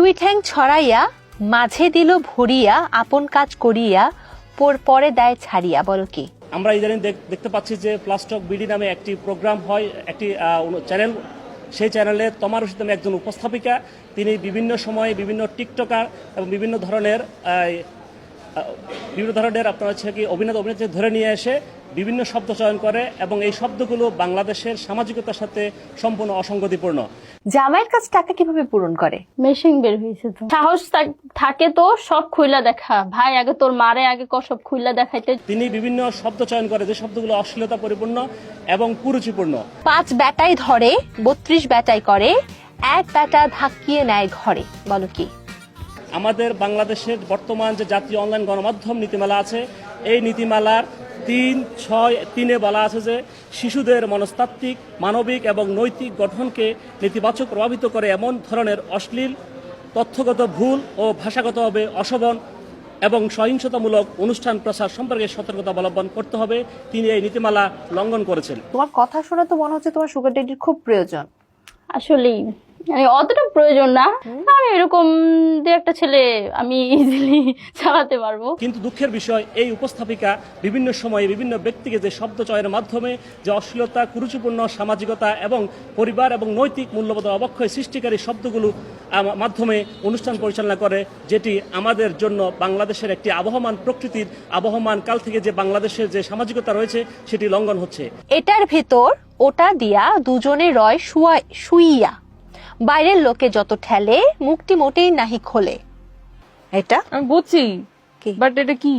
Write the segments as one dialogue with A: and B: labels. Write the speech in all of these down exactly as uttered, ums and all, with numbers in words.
A: দুই ঠ্যাং ছড়াইয়া মাঝে দিল ভরিয়া আপন কাজ করিয়া পরে দেয় ছাড়িয়া। বলো কি?
B: আমরা ইদানিং দেখতে পাচ্ছি যে প্লাস্টক বিডি নামে একটি প্রোগ্রাম হয়, একটি চ্যানেল। সেই চ্যানেলে তমা রশিদ নামে একজন উপস্থাপিকা, তিনি বিভিন্ন সময়ে বিভিন্ন টিকটকার এবং বিভিন্ন ধরনের বিভিন্ন ধরনের আপনার হচ্ছে কি অভিনেতা অভিনেত্রী ধরে নিয়ে এসে বিভিন্ন শব্দ চয়ন করে এবং এই শব্দগুলো বাংলাদেশের সামাজিকতার সাথে সম্পূর্ণ অসঙ্গতিপূর্ণ।
A: জামাইয়ের কাছে টাকা কিভাবে পূরণ করে?
C: মেশিন বের হয়েছে তো। সাহস থাকে তো সব খুইলা দেখা, ভাই আগে তোর মারে আগে ক সব খুইলা দেখাইতে।
B: তিনি বিভিন্ন শব্দ চয়ন করে যে শব্দগুলো অশ্লীলতা পরিপূর্ণ এবং কুরুচিপূর্ণ।
A: পাঁচ ব্যাটাই ধরে বত্রিশ ব্যাটাই করে, এক ব্যাটা ধাক্কিয়ে নেয় ঘরে। বলো কি?
B: আমাদের বাংলাদেশের বর্তমান যে জাতীয় অনলাইন গণমাধ্যম নীতিমালা আছে, এই নীতিমালার তিন ছয় তিনে বলা আছে যে শিশুদের মনস্তাত্ত্বিক, মানবিক এবং নৈতিক গঠনকে নেতিবাচক প্রভাবিত করে এমন ধরনের অশ্লীল, তথ্যগত ভুল ও ভাষাগতভাবে অশোভন এবং সহিংসতামূলক অনুষ্ঠান প্রচার সম্পর্কে সতর্কতা অবলম্বন করতে হবে। তিনি এই নীতিমালা লঙ্ঘন করেছেন।
A: তোমার কথা শুনে তো মনে হচ্ছে তোমার সুগার ড্যাডির খুব প্রয়োজন।
C: আসলেই মানে অতটা প্রয়োজন না, আমি এরকম দু একটা ছেলে আমি ইজিলি চালাতে পারবো।
B: কিন্তু দুঃখের বিষয়, এই উপস্থাপিকা বিভিন্ন সময়ে বিভিন্ন ব্যক্তিকে যে শব্দ চয়নের মাধ্যমে যে অশ্লীলতা, কুরুচিপূর্ণ সামাজিকতা এবং পরিবার এবং নৈতিক মূল্যবোধ অবক্ষয় সৃষ্টিকারী শব্দগুলো মাধ্যমে অনুষ্ঠান পরিচালনা করে, যেটি আমাদের জন্য বাংলাদেশের একটি আবহমান প্রকৃতির আবহমান কাল থেকে যে বাংলাদেশের যে সামাজিকতা রয়েছে সেটি লঙ্ঘন হচ্ছে।
A: এটার ভেতর ওটা দিয়া দুজনে রয় শুইয়া, বাইরের লোকে যত ঠেলে মুক্তি মোটেই নাহি খোলে। এটা
D: আমি বুঝছি, বাট এটা কি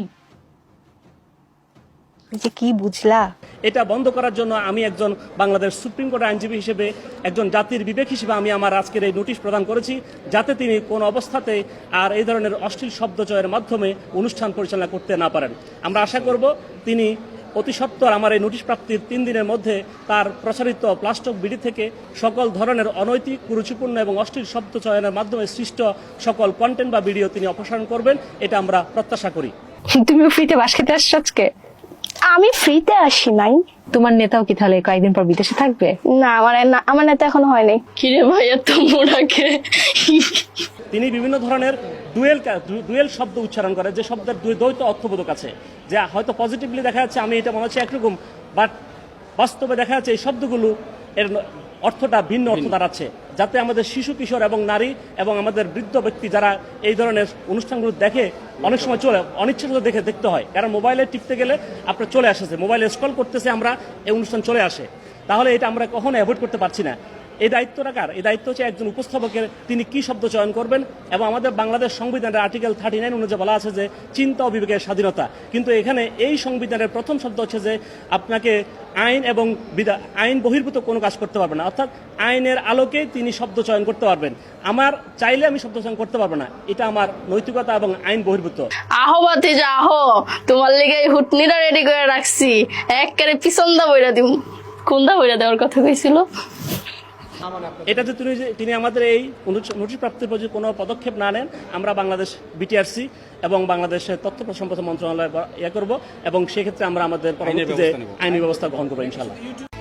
A: যে কি বুঝলা?
B: এটা বন্ধ করার জন্য আমি একজন বাংলাদেশ সুপ্রিম কোর্টের আইনজীবী হিসেবে, একজন জাতির বিবেক হিসেবে আমি আমার আজকের এই নোটিশ প্রদান করেছি, যাতে তিনি কোন অবস্থাতে আর এই ধরনের অশ্লীল শব্দচয়ের মাধ্যমে অনুষ্ঠান পরিচালনা করতে না পারেন। আমরা আশা করব তিনি অতি সত্বর আমার এই নোটিশ প্রাপ্তির তিন দিনের মধ্যে তার প্রচারিত প্লাস্টক বিডি থেকে সকল ধরনের অনৈতিক, কুরুচিপূর্ণ এবং অশ্লীল শব্দ চয়নের মাধ্যমে সৃষ্ট সকল কন্টেন্ট বা ভিডিও তিনি অপসারণ করবেন, এটা আমরা প্রত্যাশা করি।
A: তুমি ফ্রিতে বাস খেতে আসছো আজকে?
C: আমি ফ্রিতে আসি নাই।
A: তোমার নেতাও কি তাহলে কয়েকদিন পর বিদেশে থাকবে?
C: না, আমার আমার নেতা এখনো হয়নি। কিরে ভাই এত মোড়াকে?
B: তিনি বিভিন্ন ধরনের ডুয়েল ডুয়েল শব্দ উচ্চারণ করে, যে শব্দের দ্বৈত অর্থবোধক আছে, যে হয়তো পজিটিভলি দেখা যাচ্ছে আমি এটা মনে হচ্ছে একরকম, বাট বাস্তবে দেখা যাচ্ছে এই শব্দগুলো এর অর্থটা ভিন্ন অর্থ দাঁড়াচ্ছে, যাতে আমাদের শিশু, কিশোর এবং নারী এবং আমাদের বৃদ্ধ ব্যক্তি যারা এই ধরনের অনুষ্ঠানগুলো দেখে, অনেক সময় চলে অনিচ্ছাকৃত দেখে দেখতে হয়, কারণ মোবাইলে টিপতে গেলে আপনার চলে আসছে, মোবাইলে স্ক্রল করতেছে, আমরা এই অনুষ্ঠান চলে আসে। তাহলে এটা আমরা কখনো অ্যাভয়েড করতে পারছি না। এই দায়িত্বটা কার? এই দায়িত্ব হচ্ছে একজন উপস্থাপকের, তিনি কি শব্দ চয়ন করবেন। এবং আমাদের বাংলাদেশ সংবিধানের আর্টিকেল থার্টি নাইন অনুযায়ী বলা আছে যে চিন্তা ও বিবেকের স্বাধীনতা, কিন্তু এখানে এই সংবিধানের প্রথম শব্দ হচ্ছে যে আপনাকে আইন এবং আইন বহির্ভূত কোনো কাজ করতে পারবে না, অর্থাৎ আইনের আলোকে তিনি শব্দ চয়ন করতে পারবেন। আমার চাইলে আমি শব্দ চয়ন করতে পারবো না, এটা আমার নৈতিকতা এবং আইন বহির্ভূত।
C: আহো বাতি যা আহো, তোমার লেগে হুটনিটা রেডি করে রাখছি, একবারে পিছন দা বইরা দিম। কোন দা বইরা দেওয়ার কথা কইছিল?
B: এটা যে তিনি তিনি আমাদের এই নোটিশ প্রাপ্তির প্রতি কোনো পদক্ষেপ না নেন, আমরা বাংলাদেশ বিটিআরসি এবং বাংলাদেশের তথ্য সম্পদ মন্ত্রণালয় ইয়ে করবো এবং সেক্ষেত্রে আমরা আমাদের পরবর্তীতে আইনি ব্যবস্থা গ্রহণ করবো ইনশাআল্লাহ।